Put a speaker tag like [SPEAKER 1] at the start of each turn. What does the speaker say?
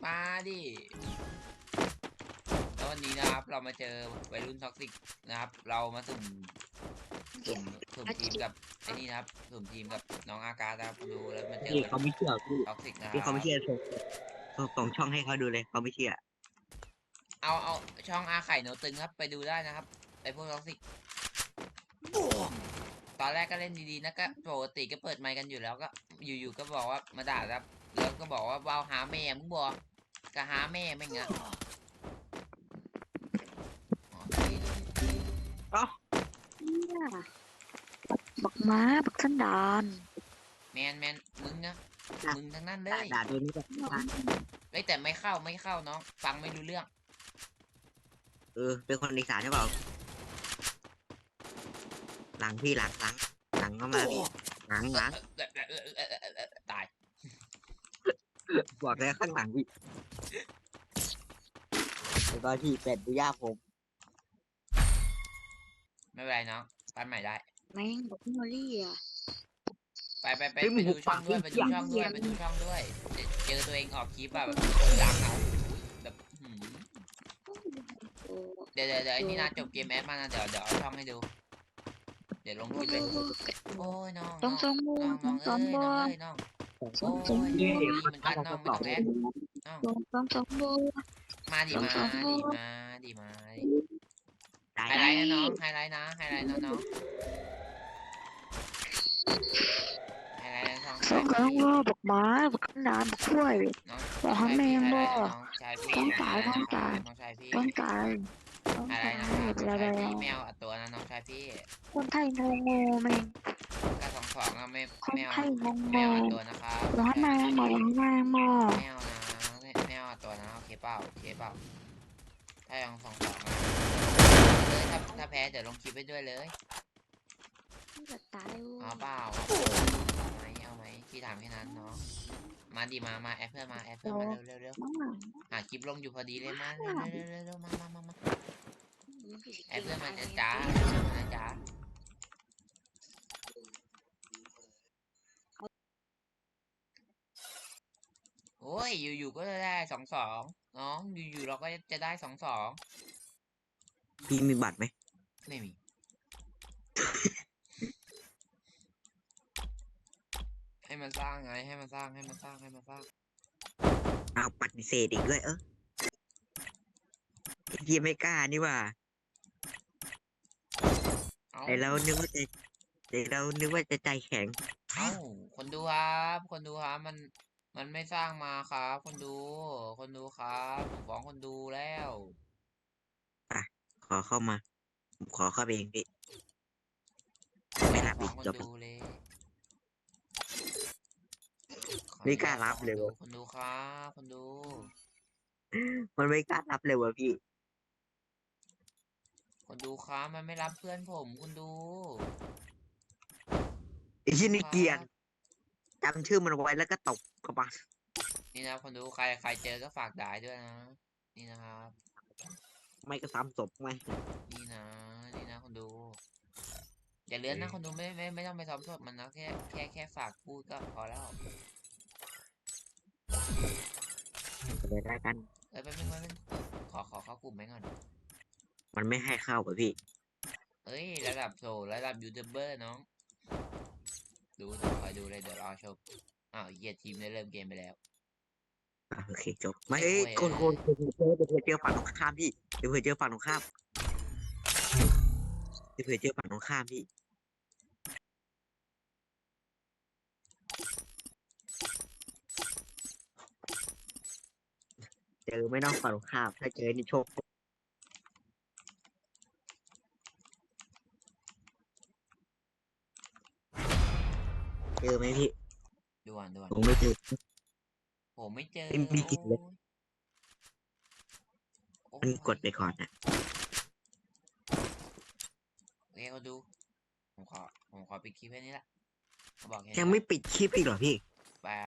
[SPEAKER 1] มาดิแล้ววันนี้นะครับเรามาเจอวัยรุ่นท็อกซิกนะครับเรามาสุ่มทีมกับไอ้นี่นะครับสุ่มทีมกับน้องอากาศนะครับดูแล้วมาเจอ
[SPEAKER 2] พี่
[SPEAKER 1] วัยรุ่น
[SPEAKER 2] เขาไม่เชื่อพี่
[SPEAKER 1] ท็อกซิกนะค
[SPEAKER 2] พี่เขา
[SPEAKER 1] รับ
[SPEAKER 2] ไม่เชื่อส่งช่องให้เขาดูเลยเขาไม่เชื่อ
[SPEAKER 1] เอาช่องอาไข่โนตึงครับไปดูได้นะครับไอพวกท็อกซิกตอนแรกก็เล่นดีๆนะก็ปกติก็เปิดไมค์กันอยู่แล้วก็อยู่ๆก็บอกว่ามาด่าครับแล้วก็บอกว่าว้าวหาแม่มึงบอกก็หาแม่ไม่งะอ๋อ
[SPEAKER 2] อ๋อ
[SPEAKER 3] เนี่ยบักม้าบักสันดาน
[SPEAKER 1] แมนมึงนะมึงทั้งนั้นเล
[SPEAKER 2] ด่าย ตัวนี้แบบ
[SPEAKER 1] เฮ้ยแต่ไม่เข้าน้องฟังไม่รู้เรื่อง
[SPEAKER 2] เป็นคนอีสานใช่เปล่าหลังพี่หลังเข้ามาพี่หลัง
[SPEAKER 1] ตาย
[SPEAKER 2] บอกเลยข้างหลังพี่แล้วก็ที่เป็ดดูย่าผม
[SPEAKER 1] ไม่เป็นไรน้องปั้นใหม่ได้
[SPEAKER 3] แม่งบักมอรี่อ่ะ
[SPEAKER 1] ไปดูช่องด้วยไปดูช่องด้วยไปดูช่องด้วยเจอตัวเองออกคลิปแบบดังเอาแบบ
[SPEAKER 3] โอ้
[SPEAKER 1] เดี๋ยวไอ้นี่นะจบเกมแอดมานะเดี๋ยวเอาช่องให้ดูเดี๋ยวลงคลิปเลยโอ้ยน้อง
[SPEAKER 3] ต้องสองโมงต้องสองโมง
[SPEAKER 1] น้องโอ้
[SPEAKER 3] ต้องสอง
[SPEAKER 1] ย
[SPEAKER 3] โม
[SPEAKER 1] ดี
[SPEAKER 3] ง
[SPEAKER 1] เหมือนกันน้องไม่ต้องแอดน้อง
[SPEAKER 3] ต้องสองโมง
[SPEAKER 1] มาดิมา
[SPEAKER 2] ได้
[SPEAKER 1] ไฮไลท์นะน้องไฮไลท์นะไฮไลท์น้องไฮไลท์ช่อง
[SPEAKER 3] สองกำลังรอบักม้าบักสันดานบักกล้วย
[SPEAKER 1] น้อง
[SPEAKER 3] บอกให้แม่งบ่
[SPEAKER 1] น้องชายพี่
[SPEAKER 3] ต้องตาย
[SPEAKER 1] น้องชายพี่
[SPEAKER 3] ต้องตายต้อง
[SPEAKER 1] อะไร
[SPEAKER 3] ตาย
[SPEAKER 1] นะครับ
[SPEAKER 3] อะไร
[SPEAKER 1] ชายพี่แมวตัวนะน้องชายพี่
[SPEAKER 3] คนไทยงงงแม่ง
[SPEAKER 1] ก็22อะไม่
[SPEAKER 3] คน
[SPEAKER 1] แมว
[SPEAKER 3] ไทยงง
[SPEAKER 1] แม
[SPEAKER 3] ง
[SPEAKER 1] วตัวนะครับ
[SPEAKER 3] ร้อนแม่หมอร้อนแม่หมอ
[SPEAKER 1] แมวนะแมวตัวนะโอเคเปล่าถ้ายัง22เลยถ้าแพ้เดี๋ยวลงคลิปไปด้วยเลย
[SPEAKER 3] จะตาย
[SPEAKER 1] เอาเปล่าเอาไหมพี่ถามแค่นั้นเนาะมาดิมาแอดเพื่อนมาเร็วหาคลิปลงอยู่พอดีเลยมาเร็วมาแอดเพื่อนมาจ้าโอ้ยอยู่ก็จะได้22น้องอยู่เราก็จะได้22
[SPEAKER 2] พี่มีบัตรไหม
[SPEAKER 1] ไม่มีให้มันสร้างไงให้มันสร้าง
[SPEAKER 2] เอาปฏิเสธอีกด้วยพี่ไม่กล้านี่ว่า
[SPEAKER 1] เอา
[SPEAKER 2] แต่เรานึกว่าจะใจแข็ง
[SPEAKER 1] เอาคนดูครับมันไม่สร้างมาครับคนดูครับผมฟ้องคนดูแล้ว
[SPEAKER 2] ขอเข้ามาผมขอเข้าไปเองพี่ไม่รับ
[SPEAKER 1] ฟ้
[SPEAKER 2] อี
[SPEAKER 1] อง
[SPEAKER 2] ก
[SPEAKER 1] คน
[SPEAKER 2] จบ
[SPEAKER 1] ดูเลย
[SPEAKER 2] ไม่กล้ารับเลย
[SPEAKER 1] คนดูครับคนดู
[SPEAKER 2] มันไม่กล้ารับเลยวะพี่
[SPEAKER 1] คนดูครับมันไม่รับเพื่อนผมคนดู
[SPEAKER 2] ไอ้ที่นี่เกลียดจำชื่อมันไว้แล้วก็ตบกระบาล
[SPEAKER 1] นี่นะคนดูใครเจอก็ฝากด่ายด้วยนะ นี่นะครับ
[SPEAKER 2] ไม่ก็ซ้ำศพไหม
[SPEAKER 1] นี่นะคนดู อย่าเลื่อนนะคนดูไม่ต้องไปซ้อมสดมันนะแค่ฝากพูดก็พอแล้ว
[SPEAKER 2] เลยได้กัน
[SPEAKER 1] แป๊บนึงขอเข้ากลุ่มไหมก่อน
[SPEAKER 2] มันไม่ให้เข้าป่ะพี่
[SPEAKER 1] เอ้ยระดับยูทูบเบอร์น้องดูคอยดูเลยเดี๋ยวรอชมอ้าวเยียทีมได้เริ่มเกมไปแล้ว
[SPEAKER 2] โอเคจบไม่คนเดี๋ยวเจอฝั่งตรงข้ามพี่เดี๋ยวเผื่อเจอฝั่งตรงข้ามพี่เจอไม่ต้องฝั่งตรงข้ามถ้าเจอนี่โชคเจอไหมพี่
[SPEAKER 1] ด่วน
[SPEAKER 2] ผมไม่เจอ
[SPEAKER 1] ผมไม่เจอ
[SPEAKER 2] ไม่มีกิจเลย
[SPEAKER 1] โอ้
[SPEAKER 2] มันกดไปก่อนนะ
[SPEAKER 1] โอเคเขาดูผมขอปิดคลิปแค่นี้ละเขาบอกแค่
[SPEAKER 2] ยังไม่ปิดคลิปอีกเหรอพี่